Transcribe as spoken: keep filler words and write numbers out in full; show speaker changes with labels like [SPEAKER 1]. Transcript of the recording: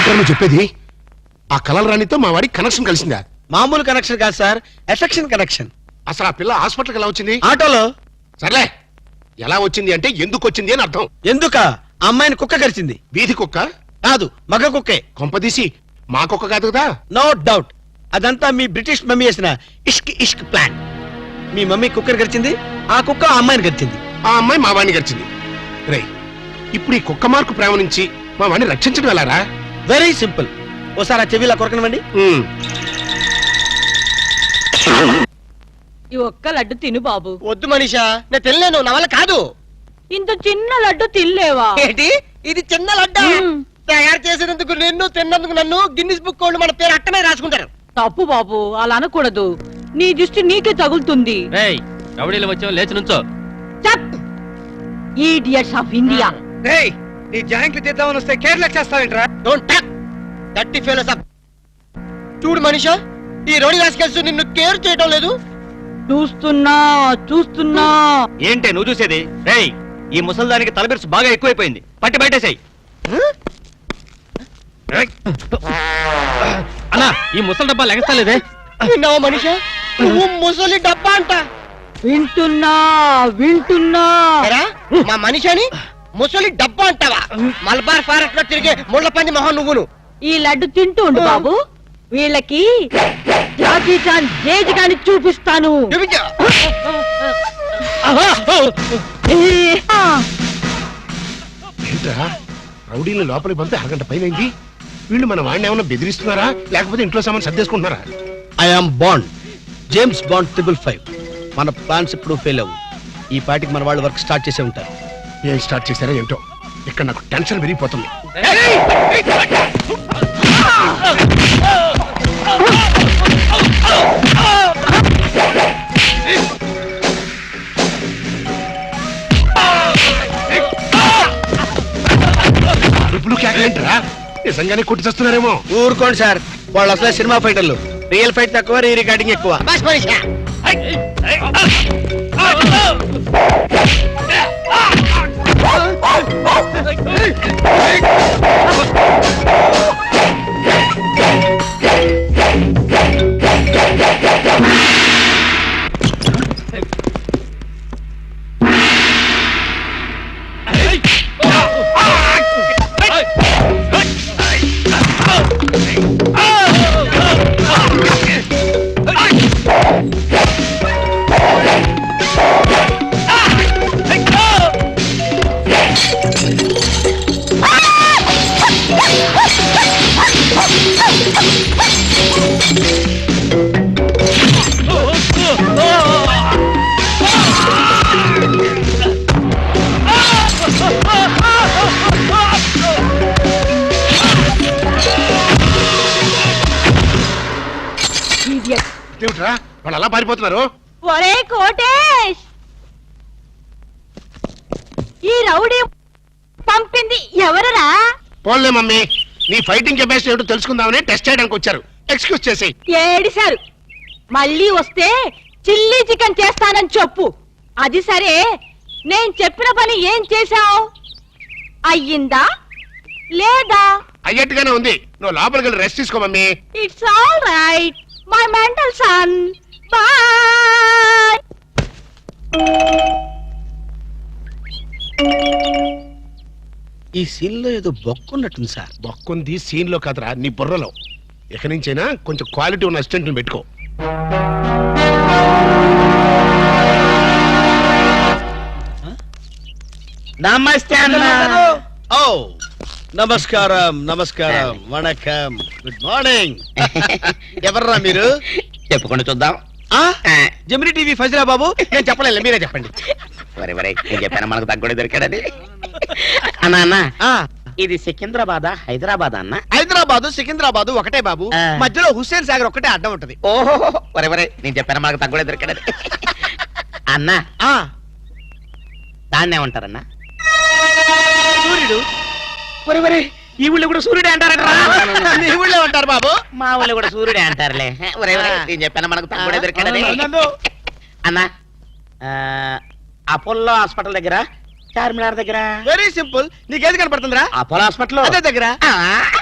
[SPEAKER 1] నువ్వు చెప్పేది? ఆ కలల రాణితో మా వాడికి కనెక్షన్ కలిసిందా?
[SPEAKER 2] మామూలు కనెక్షన్ కాదు సార్, ఎఫెక్షన్ కనెక్షన్.
[SPEAKER 1] అసలు ఆ పిల్ల హాస్పిటల్కి ఎలా వచ్చింది?
[SPEAKER 2] ఆటోలో.
[SPEAKER 1] సర్లే, ఎలా వచ్చింది అంటే ఎందుకు వచ్చింది అని అర్థం.
[SPEAKER 2] ఎందుక? అమ్మాయిని కుక్క కరిచింది.
[SPEAKER 1] వీధి కుక్క
[SPEAKER 2] కాదు, మగ కుక్కే.
[SPEAKER 1] కొంపదీసి మా కుక్క కాదు కదా?
[SPEAKER 2] నో డౌట్, అదంతా మీ బ్రిటిష్ మమ్మీ చేసిన ఇష్క్ ఇష్క్ ప్లాన్. మీ మమ్మీ కుక్కని గడిచింది, ఆ కుక్క ఆ అమ్మాయిని గడిచింది.
[SPEAKER 1] ఆ అమ్మాయి మా వాడిని గడిచింది. రే, ఇప్పుడు ఈ కుక్క మార్కు ప్రేమ నుంచి మా వాడిని రక్షించడం ఎలారా?
[SPEAKER 2] Very simple. ఓసారి ఆ చెవిలా కొరకనివ్వండి.
[SPEAKER 3] ఈ ఒక్క లడ్డు తిను బాబు.
[SPEAKER 2] వద్దు మనీషా, నేను తినలేను, నా వల్ల కాదు.
[SPEAKER 3] ఇంత చిన్న లడ్డు తినలేవా?
[SPEAKER 2] ఏంటి ఇది చిన్న లడ్డు? తయారు చేసినందుకు నిన్ను, తిన్నందుకు నన్ను గిన్నిస్ బుక్ వాళ్ళు మన పేరు అట్టనే రాసుకుంటారు.
[SPEAKER 3] తప్పు బాబు, అలా అనకూడదు. నీ దృష్టి నీకే తగులుతుంది.
[SPEAKER 4] రౌడీలు వచ్చావు, లేచి నుంచో.
[SPEAKER 3] Idiots of India.
[SPEAKER 2] నీ జాయింట్లు తీద్దామని వస్తే కేరళ చేస్తావేంట్రా? డోంట్ టక్ దట్టి ఫెలోస్ అప్. చూడు మనీషా, ఈ రోడి రాసుకెళ్తూ నిన్ను కేర్ చేయడం లేదు.
[SPEAKER 3] చూస్తున్నా చూస్తున్నా.
[SPEAKER 4] ఏంటే నువ్వు చూసేది? రేయ్, ఈ ముసల్దానికి తలబిరుసు బాగా ఎక్కువైపోయింది, పట్టి బయటేసాయి. అన్నా, ఈ ముసలి డబ్బా లెగస్తలేదే.
[SPEAKER 2] విన్నావా మనీషా, నువ్వు ముసలి డబ్బా అంట.
[SPEAKER 3] వింటున్నా వింటున్నా.
[SPEAKER 2] మా మనిషిని ముసలి డబ్బా అంటావా? మలబార్ ఫారెస్ట్ లో తిరిగే ముళ్ళ పంది మొహం నువ్వును.
[SPEAKER 3] ఈ లడ్డు తింటూ ఉండు బాబు, వీళ్ళకి జాకీ చాన్ జేజ్ గాని చూపిస్తాను.
[SPEAKER 1] ఏంట్రా, రౌడీని లోపలికి పంపి అరగంట పైన వీళ్ళు మన వాడిని ఏమన్నా బెదిరిస్తున్నారా, లేకపోతే ఇంట్లో సామాన్ సర్దేసుకుంటున్నారా?
[SPEAKER 2] I'm Bond, James Bond triple five. మన ప్లాన్స్ ఇప్పుడు ఫెయిల్ అవ్వు. ఈ పార్టీకి మన వాళ్ళు వర్క్ స్టార్ట్ చేసే ఉంటారు.
[SPEAKER 1] ఏం స్టార్ట్ చేశారో ఏంటో, ఇక్కడ నాకు టెన్షన్ పెరిగిపోతుంది. ఇప్పుడు కేకలేంట్రా, నిజంగానే కొట్టి చేస్తున్నారేమో.
[SPEAKER 2] ఊరుకోండి సార్, వాళ్ళు అసలే సినిమా ఫైటర్లు. రియల్ ఫైట్ తక్కువ, రీ రికార్డింగ్ ఎక్కువ.
[SPEAKER 1] వాళ్ళు అలా పారిపోతున్నారు.
[SPEAKER 3] ఒరే కోటేష్, ఈ రౌడీ పంపింది ఎవరరా?
[SPEAKER 1] పోన్లే మమ్మీ, నీ ఫైటింగ్ కెపాసిటీ ఏమిటో తెలుసుకుందామని టెస్ట్ చేయడానికి వచ్చారు. ఎక్స్క్యూజ్ చేసి
[SPEAKER 3] ఏడిశారు. మళ్ళీ వస్తే చిల్లీ చికెన్ చేస్తానని చెప్పు. అది సరే, నేను చెప్పిన పని ఏం చేశావు? అయ్యిందా లేదా?
[SPEAKER 1] అయ్యట్టుగానే ఉంది. నువ్వు లోపలికి వెళ్ళి రెస్ట్ తీసుకో mummy.
[SPEAKER 3] It's all right my mental son. Bye.
[SPEAKER 2] ఈ సీన్ లో ఏదో బొక్కున్నట్టుంది సార్.
[SPEAKER 1] బొక్కుంది సీన్ లో కాదురా, నీ బుర్రలో. ఇక నుంచైనా కొంచెం క్వాలిటీ ఉన్న అసిస్టెంట్ పెట్టుకో.
[SPEAKER 2] నమస్తే అన్న. ఓ నమస్కారం నమస్కారం, వణకం, గుడ్ మార్నింగ్. ఎవర్రా మీరు?
[SPEAKER 4] చెప్పుకుంటూ చూద్దాం.
[SPEAKER 2] జమిని టీవీ ఫజిరా బాబు. నేను చెప్పలేదు, మీరే చెప్పండి.
[SPEAKER 4] వరే వరే, నేను చెప్పాను మనకు తగ్గుడే దొరికాడని. అన్నా అన్న, ఇది సికింద్రాబాద్ హైదరాబాద్ అన్న?
[SPEAKER 2] హైదరాబాద్ సికింద్రాబాద్ ఒకటే బాబు, మధ్యలో హుస్సేన్ సాగర్ ఒకటే అడ్డం ఉంటది.
[SPEAKER 4] ఓహో, వరే వరే, నేను చెప్పాను మనకు తగ్గుడే దొరికాడని. అన్న, దాన్నే ఉంటారన్నా?
[SPEAKER 2] సూర్యుడు.
[SPEAKER 4] వరే వరే, ఈ ఊళ్ళో కూడా సూర్యుడే అంటారట.
[SPEAKER 2] ఈ ఊళ్ళో ఉంటారు బాబు.
[SPEAKER 4] మా ఊళ్ళో కూడా సూర్యుడే అంటారులే. వరే వరే, నేను చెప్పాను మనకు తగ్గుడే దొరికాడని. అన్న, అపోలో హాస్పిటల్ దగ్గర, చార్మినార్ దగ్గర.
[SPEAKER 2] Very simple. నీకేది కనపడుతుందిరా?
[SPEAKER 4] అపోలో హాస్పిటల్
[SPEAKER 2] దగ్గర.